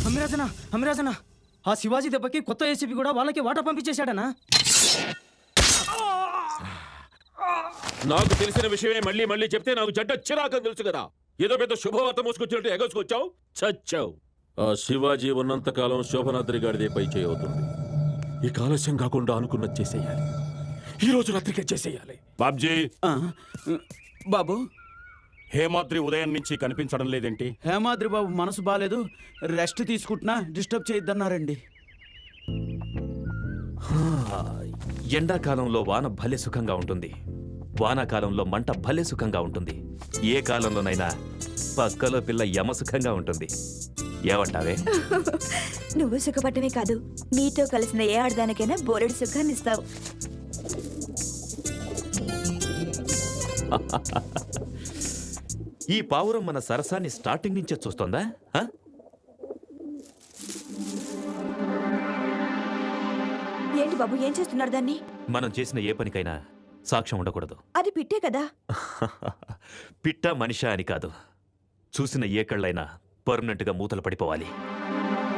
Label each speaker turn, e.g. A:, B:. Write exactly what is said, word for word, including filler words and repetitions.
A: అమిరాజనా అమిరాజనా ఆ శివాజీ దెబ్బకి కొత్త ఏసీపీ కూడా వాళ్ళకి వాటా పంపించేశాడనా?
B: నాకు తెలిసిన విషయమే మళ్ళీ మళ్ళీ చెప్తే నాకు చెడ్డ చిరాకని తెలుసు కదా. ఏదో పెద్ద శుభవార్త మోసుకొచ్చినట్టు ఎగసుకొచ్చావు, చచ్చావు. ఆ శివాజీ ఉన్నంత కాలం శోభనాద్రి గాడిదే పై చేయవుతుంది. ఈ కాలస్యం కాకుండా అనుకున్నది చేసేయాలి. ఈ రోజు రాత్రికే చేసేయాలి. బాబ్జీ
A: బాబు,
B: హేమాద్రి ఉదయం నుంచి కనిపించడం లేదేంటి?
A: హేమాద్రి బాబు మనసు బాగాలేదు, రెస్ట్ తీసుకుంటున్నా, డిస్టర్బ్ చేయొద్దన్నారండి.
C: ఎండాకాలంలో వాన భలే సుఖంగా ఉంటుంది, వానాకాలంలో మంట భలే సుఖంగా ఉంటుంది. ఏ కాలంలోనైనా పక్కలో పిల్ల యమ సుఖంగా ఉంటుంది. ఏమంటావే?
D: నువ్వు సుఖపట్టమే కాదు, నీతో కలిసిన ఏ ఆడదానికైనా బోలెడు సుఖాన్ని ఇస్తావు.
C: ఈ పావురం మన సరసాన్ని స్టార్టింగ్ నుంచే చూస్తోందా?
D: ఏంటి బాబు, ఏం చేస్తున్నారు దాన్ని?
C: మనం చేసిన ఏ పనికైనా సాక్ష్యం ఉండకూడదు.
D: అది పిట్టే కదా.
C: పిట్ట మనిషా అని కాదు, చూసిన ఏ కళ్ళైనా పర్మనెంట్ గా మూతలు పడిపోవాలి.